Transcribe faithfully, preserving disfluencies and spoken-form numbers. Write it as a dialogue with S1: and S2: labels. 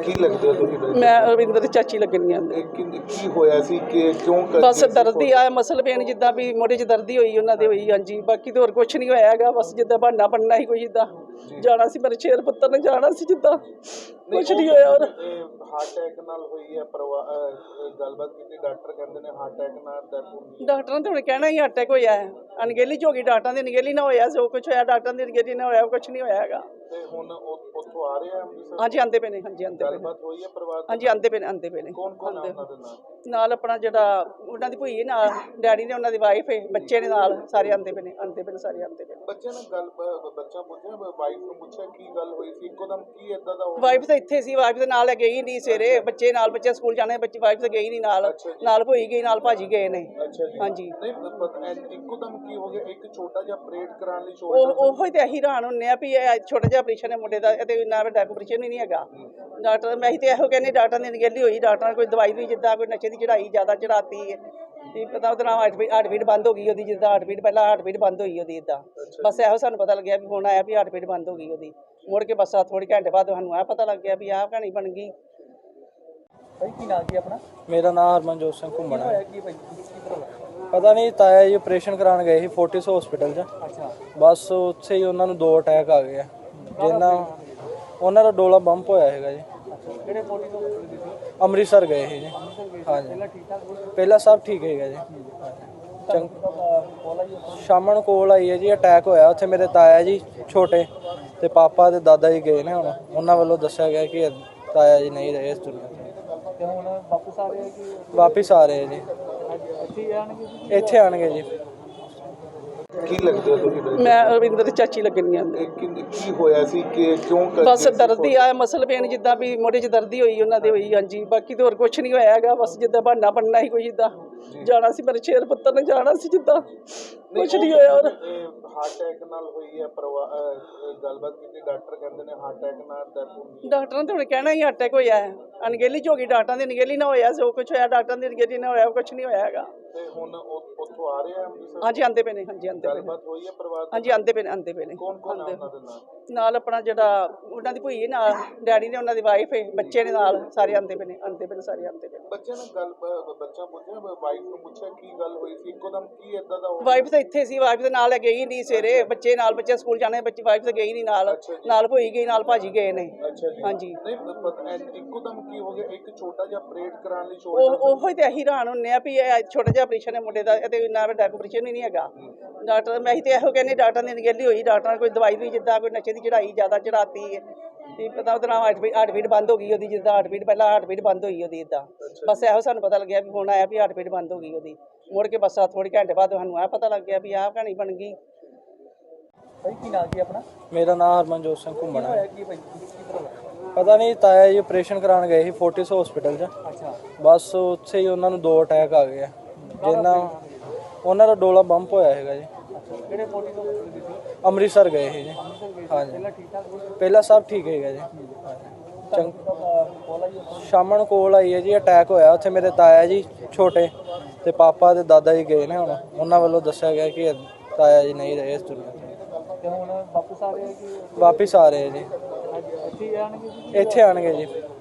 S1: ਕੀ ਲੱਗਦਾ ਤੁਸੀਂ?
S2: ਮੈਂ ਰਵਿੰਦਰ ਦੀ ਚਾਚੀ ਲੱਗਣੀ ਆ।
S1: ਇਹ ਕੀ ਕੀ ਹੋਇਆ ਸੀ ਕਿ ਕਿਉਂ ਕਰ
S2: ਬਸ ਦਰਦ ਹੀ ਆ, ਮਸਲ ਪੇਨ ਜਿੱਦਾਂ ਵੀ ਮੋਢੇ 'ਚ ਦਰਦ ਹੀ ਹੋਈ ਉਹਨਾਂ ਦੇ ਹੋਈ। ਹਾਂਜੀ, ਬਾਕੀ ਤਾਂ ਹੋਰ ਕੁਛ ਨਹੀਂ ਹੋਇਆ ਹੈਗਾ। ਬਸ ਜਿੱਦਾਂ ਬਹਾਨਾ ਬਣਨਾ ਸੀ ਕੋਈ, ਜਿੱਦਾਂ ਜਾਣਾ ਸੀ ਮੇਰੇ ਸ਼ੇਰ ਪੁੱਤਰ ਨੇ ਜਾਣਾ ਸੀ, ਜਿੱਦਾਂ ਕੁਛ ਨਹੀਂ ਹੋਇਆ। ਔਰ
S1: ਹਾਰਟ ਅਟੈਕ ਨਾਲ ਹੋਈ ਹੈ ਪਰਿਵਾਰ ਗੱਲਬਾਤ ਕੀਤੀ, ਡਾਕਟਰ ਕਹਿੰਦੇ ਨੇ ਹਾਰਟ ਅਟੈਕ ਨਾਲ ਡੈਥ ਹੋਈ।
S2: ਡਾਕਟਰਾਂ ਨੇ ਹੁਣ ਕਹਿਣਾ ਹੀ ਅਟੈਕ ਹੋਇਆ ਹੈ, ਅਣਗਹਿਲੀ 'ਚ ਹੋ ਗਈ। ਡਾਕਟਰਾਂ ਦੀ ਅਣਗਹਿਲੀ ਨਾ ਹੋਇਆ ਜੋ ਕੁਛ ਹੋਇਆ, ਡਾਕਟਰਾਂ ਦੀ ਅਣਗਹਿਲੀ ਨਾ ਹੋਇਆ, ਕੁਛ ਨਹੀਂ ਹੋਇਆ ਹੈਗਾ।
S1: ਤੇ ਹੁਣ ਉੱਥੋਂ ਆ ਰਹੇ ਆ ਅੰਮ੍ਰਿਤਸਰ?
S2: ਹਾਂਜੀ ਆਂਦੇ ਪਏ ਨੇ। ਹਾਂਜੀ ਆਂਦੇ ਪਏ ਨੇ।
S1: ਗੱਲਬਾਤ ਹੋਈ ਹੈ ਪਰਿਵਾਰ?
S2: ਹਾਂਜੀ ਆਂਦੇ ਪਏ ਨੇ, ਆਂਦੇ ਪਏ ਨੇ।
S1: ਕੌਣ ਕੌਣ ਉਹਨਾਂ ਦੇ ਨਾਲ?
S2: ਨਾਲ ਆਪਣਾ ਜਿਹੜਾ ਉਹਨਾਂ ਦੀ ਭੂਈ ਨਾਲ ਡੈਡੀ ਨੇ, ਉਹਨਾਂ ਦੀ ਵਾਈਫ ਹੈ, ਬੱਚੇ ਨੇ ਨਾਲ, ਸਾਰੇ ਆਂਦੇ ਪਏ ਨੇ। ਆਂਦੇ ਪਏ ਨੇ, ਸਾਰੇ ਆਂਦੇ ਪਏ ਨੇ।
S1: ਬੱਚੇ ਨੇ ਗੱਲ ਬੱਚਾ ਪੁੱਛਿਆ, ਵਾਈਫ ਨੂੰ ਪੁੱਛਿਆ ਕੀ ਗੱਲ ਹੋਈ ਸੀ ਇੱਕੋ ਦਮ, ਕੀ ਏਦਾਂ ਦਾ?
S2: ਵਾਈਫ ਤਾਂ ਇੱਥੇ ਸੀ, ਵਾਈਫ ਦੇ ਨਾਲ ਗਈ ਨਹੀਂ ਸਵੇਰੇ। ਬੱਚੇ ਨਾਲ, ਬੱਚੇ ਸਕੂਲ ਜਾਣੇ, ਬੱਚੀ ਵਾਈਫ ਤਾਂ ਗਈ ਨਹੀਂ ਨਾਲ। ਨਾਲ ਭੂਈ ਗਈ, ਨਾਲ ਭਾਜੀ ਗਏ ਨੇ। ਹਾਂਜੀ।
S1: ਨਹੀਂ ਪਤਾ ਇੱਕੋ ਦਮ ਕੀ ਹੋ ਗਿਆ? ਇੱਕ ਛੋਟਾ ਜਿਹਾ ਆਪਰੇਟ ਕਰਾਉਣ ਲਈ
S2: ਉਹ ਉਹੋ ਹੀ ਤਾਂ ਅਸੀਂ ਹੈਰਾਨ ਹੁੰਦੇ ਆ ਵੀ ਇਹ ਛੋਟਾ ਜਿਹਾ ਆਪਰੇਸ਼ਨ ਹੈ ਮੁੰਡੇ ਦਾ, ਤੇ ਇੰਨਾ ਵੱਡਾ ਆਪਰੇਸ਼ਨ ਹੀ ਨਹੀਂ ਹੈਗਾ। ਡਾਕਟਰ ਮੈਂ ਤਾਂ ਇਹੋ ਕਹਿੰਦੀ, ਡਾਕਟਰ ਦੀ ਅਣਗਹਿਲੀ ਹੋਈ। ਡਾਕਟਰਾਂ ਨੇ ਕੋਈ ਦਵਾਈ ਵੀ ਜਿੱਦਾਂ ਕੋਈ ਨਸ਼ੇ ਦੀ ਚੜਾਈ ਜ਼ਿਆਦਾ ਚੜਾਤੀ ਹੈ, ਕੀ ਪਤਾ ਉਹਦੇ ਨਾਲ ਹਾਰਟ ਹਾਰਟ ਬੀਟ ਬੰਦ ਹੋ ਗਈ ਉਹਦੀ। ਜਿੱਦਾਂ ਹਾਰਟ ਬੀਟ ਪਹਿਲਾਂ ਹਾਰਟ ਬੀਟ ਬੰਦ ਹੋਈ ਉਹਦੀ, ਇੱਦਾਂ ਬਸ ਇਹੋ ਸਾਨੂੰ ਪਤਾ ਲੱਗਿਆ ਵੀ ਹੁਣ ਆਇਆ ਵੀ ਹਾਰਟ ਬੀਟ ਬੰਦ ਹੋ ਗਈ ਉਹਦੀ। ਮੁੜ ਕੇ ਬਸ ਥੋੜ੍ਹੇ ਘੰਟੇ ਬਾਅਦ ਸਾਨੂੰ ਇਹ ਪਤਾ ਲੱਗ ਗਿਆ ਵੀ ਆਹ ਕਹਾਣੀ ਬਣ ਗਈ।
S3: ਭਾਈ ਕੀ ਨਾਮ ਕੀ ਆਪਣਾ?
S4: ਮੇਰਾ ਨਾਮ ਹਰਮਨਜੋਤ ਸਿੰਘ ਘੁੰਮਣ ਹੈ। ਪਤਾ ਨਹੀਂ, ਤਾਇਆ ਜੀ ਆਪਰੇਸ਼ਨ ਕਰਾਉਣ ਗਏ ਸੀ ਫੋਰਟਿਸ ਹਸਪੀਟਲ 'ਚ।
S3: ਅੱਛਾ।
S4: ਬਸ ਉੱਥੇ ਹੀ ਉਹਨਾਂ ਨੂੰ ਦੋ ਅਟੈਕ ਆ ਗਏ ਆ, ਜਿੰਨਾ ਉਹਨਾਂ ਦਾ ਡੋਲਾ ਬੰਪ ਹੋਇਆ ਹੈਗਾ ਜੀ।
S3: ਕਿਹੜੇ ਫੋਰਟਿਸ ਹਸਪੀਟਲ ਗਏ ਸੀ?
S4: ਅੰਮ੍ਰਿਤਸਰ ਗਏ ਸੀ ਜੀ। ਹਾਂਜੀ,
S3: ਪਹਿਲਾਂ ਠੀਕ ਠਾਕ ਸੀ?
S4: ਪਹਿਲਾਂ ਸਭ ਠੀਕ ਹੈਗਾ ਜੀ। ਚੰਗ
S3: ਕੋਲ ਆਈ
S4: ਸ਼ਾਮ ਨੂੰ ਕੋਲ ਆਈ ਹੈ ਜੀ, ਅਟੈਕ ਹੋਇਆ ਉੱਥੇ। ਮੇਰੇ ਤਾਇਆ ਜੀ ਛੋਟੇ ਤੇ ਪਾਪਾ ਤੇ ਦਾਦਾ ਜੀ ਗਏ ਨੇ। ਹੁਣ ਉਹਨਾਂ ਵੱਲੋਂ ਦੱਸਿਆ ਗਿਆ ਕਿ ਤਾਇਆ ਜੀ ਨਹੀਂ ਰਹੇ ਇਸ ਦੁਨੀਆ ਤੇ।
S3: ਤੇ ਹੁਣ ਵਾਪਸ ਆ ਰਹੇ ਕਿ
S4: ਵਾਪਿਸ ਆ ਰਹੇ ਜੀ,
S3: ਇੱਥੇ ਆਣਗੇ ਜੀ?
S4: ਇੱਥੇ ਆਣਗੇ ਜੀ।
S1: ਕੀ ਲੱਗਦਾ ਤੁਸੀਂ?
S2: ਮੈਂ ਰਵਿੰਦਰ ਦੀ ਚਾਚੀ ਲੱਗਣੀ ਆ।
S1: ਇਹ ਕੀ ਕੀ ਹੋਇਆ ਸੀ ਕਿ ਕਿਉਂ ਕਰ
S2: ਬਸ ਦਰਦ ਹੀ ਆ, ਮਸਲ ਪੇਨ ਜਿੱਦਾਂ ਵੀ ਮੋਢੇ 'ਚ ਦਰਦ ਹੀ ਹੋਈ ਉਹਨਾਂ ਦੇ ਹੋਈ। ਹਾਂਜੀ, ਬਾਕੀ ਤਾਂ ਹੋਰ ਕੁਛ ਨਹੀਂ ਹੋਇਆ ਹੈਗਾ। ਬਸ ਜਿੱਦਾਂ ਬਹਾਨਾ ਬਣਨਾ ਸੀ ਕੋਈ, ਜਿੱਦਾਂ ਜਾਣਾ ਸੀ ਮੇਰੇ ਸ਼ੇਰ ਪੁੱਤਰ ਨੇ ਜਾਣਾ ਸੀ, ਜਿੱਦਾਂ ਕੁਛ ਨਹੀਂ ਹੋਇਆ। ਔਰ
S1: ਹਾਰਟ ਅਟੈਕ ਨਾਲ ਹੋਈ ਹੈ ਪਰਿਵਾਰ ਗੱਲਬਾਤ ਕੀਤੀ, ਡਾਕਟਰ ਕਹਿੰਦੇ ਨੇ ਹਾਰਟ ਅਟੈਕ ਨਾਲ ਡੈਥ ਹੋਈ।
S2: ਡਾਕਟਰਾਂ ਨੇ ਹੁਣ ਕਹਿਣਾ ਹੀ ਅਟੈਕ ਹੋਇਆ ਹੈ, ਅਣਗਹਿਲੀ 'ਚ ਹੋ ਗਈ। ਡਾਕਟਰਾਂ ਦੀ ਅਣਗਹਿਲੀ ਨਾ ਹੋਇਆ ਜੋ ਕੁਛ ਹੋਇਆ, ਡਾਕਟਰਾਂ ਦੀ ਅਣਗਹਿਲੀ ਨਾ ਹੋਇਆ, ਕੁਛ ਨਹੀਂ ਹੋਇਆ ਹੈਗਾ।
S1: ਤੇ ਹੁਣ ਉੱਥੋਂ ਆ ਰਹੇ ਆ ਅੰਮ੍ਰਿਤਸਰ?
S2: ਹਾਂਜੀ ਆਂਦੇ ਪਏ ਨੇ। ਹਾਂਜੀ ਆਂਦੇ ਪਏ ਨੇ।
S1: ਗੱਲਬਾਤ ਹੋਈ ਹੈ ਪਰਿਵਾਰ?
S2: ਹਾਂਜੀ ਆਂਦੇ ਪਏ ਨੇ, ਆਂਦੇ ਪਏ ਨੇ।
S1: ਕੌਣ ਕੌਣ ਉਹਨਾਂ ਦੇ ਨਾਲ?
S2: ਨਾਲ ਆਪਣਾ ਜਿਹੜਾ ਉਹਨਾਂ ਦੀ ਭੂਈ ਨਾਲ ਡੈਡੀ ਨੇ, ਉਹਨਾਂ ਦੀ ਵਾਈਫ ਹੈ, ਬੱਚੇ ਨੇ ਨਾਲ, ਸਾਰੇ ਆਂਦੇ ਪਏ ਨੇ। ਆਂਦੇ ਪਏ ਨੇ, ਸਾਰੇ ਆਂਦੇ ਪਏ ਨੇ।
S1: ਬੱਚੇ ਨੇ ਗੱਲ ਬੱਚਾ ਪੁੱਛਿਆ, ਵਾਈਫ ਨੂੰ ਪੁੱਛਿਆ ਕੀ ਗੱਲ ਹੋਈ ਸੀ ਇੱਕੋ ਦਮ, ਕੀ ਏਦਾਂ ਦਾ?
S2: ਵਾਈਫ ਤਾਂ ਇੱਥੇ ਸੀ, ਵਾਈਫ ਦੇ ਨਾਲ ਗਈ ਨਹੀਂ ਸਵੇਰੇ। ਬੱਚੇ ਨਾਲ, ਬੱਚੇ ਸਕੂਲ ਜਾਣੇ, ਬੱਚੀ ਵਾਈਫ ਤਾਂ ਗਈ ਨਹੀਂ ਨਾਲ। ਨਾਲ ਭੂਈ ਗਈ, ਨਾਲ ਭਾਜੀ ਗਏ ਨੇ। ਹਾਂਜੀ।
S1: ਨਹੀਂ ਪਤਾ ਇੱਕੋ ਦਮ ਕੀ ਹੋ ਗਿਆ? ਇੱਕ ਛੋਟਾ ਜਿਹਾ ਆਪਰੇਟ ਕਰਾਉਣ ਲਈ
S2: ਉਹ ਉਹੋ ਹੀ ਤਾਂ ਅਸੀਂ ਹੈਰਾਨ ਹੁੰਦੇ ਆ ਵੀ ਇਹ ਛੋਟਾ ਜਿਹਾ ਆਪਰੇਸ਼ਨ ਹੈ ਮੁੰਡੇ ਦਾ, ਤੇ ਇੰਨਾ ਵੱਡਾ ਆਪਰੇਸ਼ਨ ਹੀ ਨਹੀਂ ਹੈਗਾ। ਡਾਕਟਰ ਮੈਂ ਤਾਂ ਇਹੋ ਕਹਿੰਦੀ, ਡਾਕਟਰਾਂ ਦੀ ਅਣਗਹਿਲੀ ਹੋਈ। ਡਾਕਟਰਾਂ ਨੇ ਕੋਈ ਦਵਾਈ ਵੀ ਜਿੱਦਾਂ ਕੋਈ ਨਸ਼ੇ ਦੀ ਚੜਾਈ ਜ਼ਿਆਦਾ ਚੜਾਤੀ ਹੈ, ਕੀ ਪਤਾ ਉਹਦੇ ਨਾਲ ਹਾਰਟ ਬੀਟ ਹਾਰਟ ਬੀਟ ਬੰਦ ਹੋ ਗਈ ਉਹਦੀ। ਜਿੱਦਾਂ ਹਾਰਟ ਬੀਟ ਪਹਿਲਾਂ ਹਾਰਟ ਬੀਟ ਬੰਦ ਹੋਈ ਉਹਦੀ, ਇੱਦਾਂ ਬਸ ਇਹੋ ਸਾਨੂੰ ਪਤਾ ਲੱਗਿਆ ਵੀ ਹੁਣ ਆਇਆ ਵੀ ਹਾਰਟ ਬੀਟ ਬੰਦ ਹੋ ਗਈ ਉਹਦੀ। ਮੁੜ ਕੇ ਬਸ ਥੋੜ੍ਹੇ ਘੰਟੇ ਬਾਅਦ ਸਾਨੂੰ ਇਹ ਪਤਾ ਲੱਗ ਗਿਆ ਵੀ ਆਹ ਕਹਾਣੀ ਬਣ ਗਈ।
S3: ਭਾਈ ਕੀ ਨਾਮ ਕੀ ਆਪਣਾ?
S4: ਮੇਰਾ ਨਾਮ ਹਰਮਨਜੋਤ ਸਿੰਘ ਘੁੰਮਣ ਹੈ।
S3: ਕੀ ਭਾਈ
S4: ਪਤਾ ਨਹੀਂ, ਤਾਇਆ ਜੀ ਆਪਰੇਸ਼ਨ ਕਰਾਉਣ ਗਏ ਸੀ ਫੋਰਟਿਸ ਹਸਪੀਟਲ 'ਚ।
S3: ਅੱਛਾ।
S4: ਬਸ ਉੱਥੇ ਹੀ ਉਹਨਾਂ ਨੂੰ ਦੋ ਅਟੈਕ ਆ ਗਏ ਆ, ਜਿੰਨਾ ਉਹਨਾਂ ਦਾ ਡੋਲਾ ਬੰਪ ਹੋਇਆ ਹੈਗਾ ਜੀ।
S3: ਕਿਹੜੇ ਫੋਰਟਿਸ ਹਸਪੀਟਲ ਗਏ ਸੀ?
S4: ਅੰਮ੍ਰਿਤਸਰ ਗਏ ਸੀ ਜੀ। ਹਾਂਜੀ,
S3: ਪਹਿਲਾਂ ਠੀਕ ਠਾਕ ਸੀ?
S4: ਪਹਿਲਾਂ ਸਭ ਠੀਕ ਹੈਗਾ ਜੀ। ਚੰਗ
S3: ਕੋਲ ਆਈ
S4: ਸ਼ਾਮ ਨੂੰ ਕੋਲ ਆਈ ਹੈ ਜੀ, ਅਟੈਕ ਹੋਇਆ ਉੱਥੇ। ਮੇਰੇ ਤਾਇਆ ਜੀ ਛੋਟੇ ਤੇ ਪਾਪਾ ਤੇ ਦਾਦਾ ਜੀ ਗਏ ਨੇ। ਹੁਣ ਉਹਨਾਂ ਵੱਲੋਂ ਦੱਸਿਆ ਗਿਆ ਕਿ ਤਾਇਆ ਜੀ ਨਹੀਂ ਰਹੇ ਇਸ ਦੁਨੀਆ ਤੇ।
S3: ਤੇ ਹੁਣ ਵਾਪਸ ਆ ਰਹੇ ਕਿ
S4: ਵਾਪਿਸ ਆ ਰਹੇ ਜੀ,
S3: ਇੱਥੇ ਆਣਗੇ ਜੀ?
S4: ਇੱਥੇ ਆਣਗੇ ਜੀ।